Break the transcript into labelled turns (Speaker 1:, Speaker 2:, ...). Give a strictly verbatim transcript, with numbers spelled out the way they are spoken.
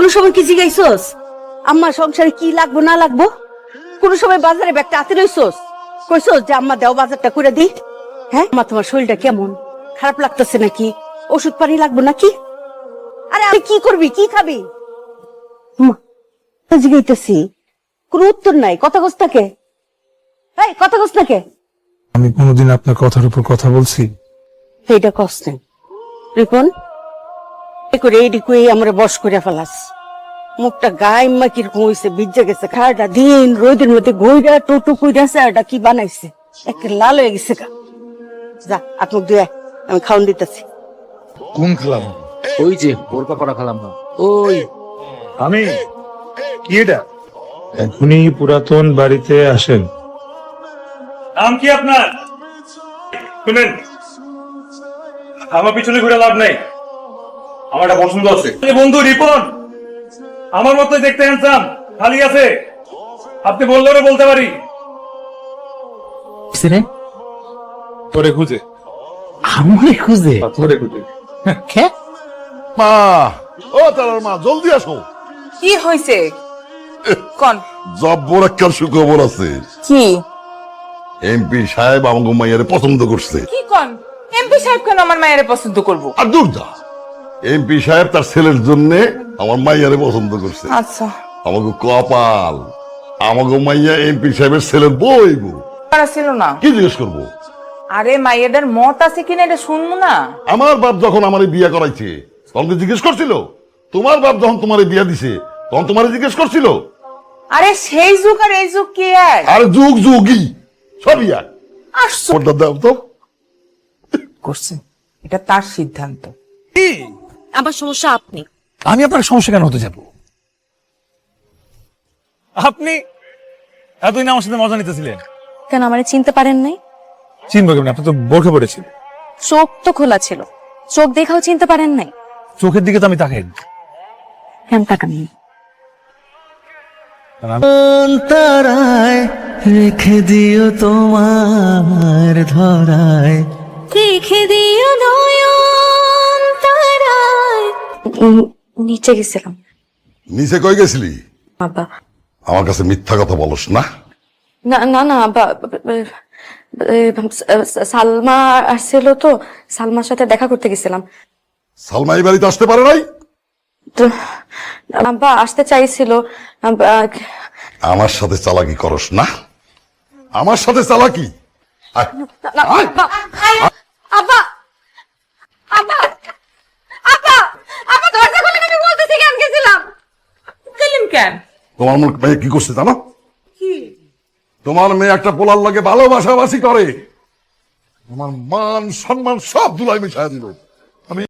Speaker 1: সময় কি জিগাইছস আম্মা সংসারে কি লাগবো না লাগবো? কোন সময় বাজারে ব্যাগটা হাতে রইছস? কইছস যে আম্মা দেও বাজারটা করে দি? হ্যাঁ মা, তোমার শরীরটা কেমন? খারাপ লাগতেছে নাকি? ওষুধ পানি লাগবো নাকি? আরে আমি কি করবি, কি খাবি? মা জিগাইতেছি, কোন উত্তর নাই। কথা কস থাকে, এই কথা কস থাকে।
Speaker 2: আমি কোনোদিন আপনার কথার উপর কথা বলছি?
Speaker 1: এইটা কস নেই রিপন, করে এইদিকে আমরা বস করে ফেলাস। মুখটা গায়ে মা কিরকম হয়েছে, ভিজে গেছে। খাড়াটা দিন রোদের মধ্যে ঘইরা টোটো কইরাছে, এটা কি বানাইছে, একটা লাল হয়ে গেছে গা। যা আত্মক দিয়ে আমি খাওয়ান দিতেছি।
Speaker 2: কোন খেলাম?
Speaker 3: ওই যে ওর করা খেলাম না ওই
Speaker 2: আমি কি এটা? এখনই পুরাতন বাড়িতে আসেন।
Speaker 4: নাম কি আপনার? শুনেন, আমার পিছনে ঘুরে লাভ নাই, আমার একটা পছন্দ আছে। বন্ধু রিপন আমার মতো দেখতে হ্যান্ডসাম, খালি আছে, আপনি বললেও বলতে পারি।
Speaker 2: তোরে খুঁজে।
Speaker 3: আমি খুঁজে
Speaker 2: তোরে খুঁজে
Speaker 3: খে
Speaker 5: মা, ও তারার মা, জলদি আসো।
Speaker 6: কি হয়েছে কোন?
Speaker 5: জব্বর একটা সুখবর আছে।
Speaker 6: কি
Speaker 5: এমপি সাহেব আমাকে মাইয়ারে পছন্দ করছে।
Speaker 6: কি কোন? এমপি সাহেব কেন আমার মায়ের পছন্দ করব?
Speaker 5: আর দূর যা, এমপি সাহেব তার ছেলের জন্য আমার মাইয়ারে পছন্দ করছে।
Speaker 6: আচ্ছা,
Speaker 5: আমাকে কপাল, আমাকে মাইয়া এমপি সাহেবের ছেলের বইব।
Speaker 6: তারা ছিল না।
Speaker 5: কি জিজ্ঞেস করবো?
Speaker 6: আরে মাইয়াদের মত আছে কিনা এটা শুনবো না।
Speaker 5: আমার বাপ যখন আমার বিয়া করাইছে তখন কি জিজ্ঞেস করছিল? তোমার বাপ যখন তোমার বিয়া দিছে তখন তোমার জিজ্ঞেস করছিল?
Speaker 6: আরে সেই যুগ আর এই যুগ কি এক?
Speaker 5: আর যুগ যুগই সবই এক।
Speaker 6: আসছো
Speaker 5: ওটা দাও তো।
Speaker 6: করছে, এটা তার সিদ্ধান্ত।
Speaker 1: আমার সমস্যা আপনি।
Speaker 3: আমি আপনার সমস্যা কেন হতে যাব?
Speaker 4: আপনি এতদিন আমার সাথে মজা নিতেছিলেন,
Speaker 7: কেন আমারে চিনতে পারেন নাই?
Speaker 2: চিনবো কেমন? আপনি তো বোরখা পড়েছিল।
Speaker 7: চোখ তো খোলা ছিল, চোখ দেখাও চিনতে পারেন নাই?
Speaker 2: চোখের দিকে তো আমি তাকাই।
Speaker 7: কেন তাকান?
Speaker 3: তারায় রেখে দিও তোমার ধরায়,
Speaker 7: রেখে দিও নয়ন তারায়। নিচে গেছিলাম।
Speaker 5: নিচে কই গেছিলি?
Speaker 7: বাবা
Speaker 5: আমার কাছে মিথ্যা কথা বলস না।
Speaker 7: না না না বা- বা- সালমা আসছিল তো, সালমার সাথে দেখা করতে গেছিলাম।
Speaker 5: সালমা এই বাড়িতে আসতে পারে নাই?
Speaker 7: তো আব্বা আসতে চাইছিল। আব্বা-
Speaker 5: আমার সাথে চালাকি করস না, আমার সাথে চালাকি। আয়,
Speaker 7: না,
Speaker 5: আয়।
Speaker 7: আব্বা আব্বা আব্বা আব্বা আব্বা দরজা খুলে আমি বলতেছি কেন গেছিলাম।
Speaker 6: গেলেন কেন?
Speaker 5: তোমার মেয়ে কি করছে জানো? তোমার মেয়ে একটা পোলার লাগে ভালোবাসাবাসি করে, তোমার মান সম্মান সব ধুলাই মিশাই দিল।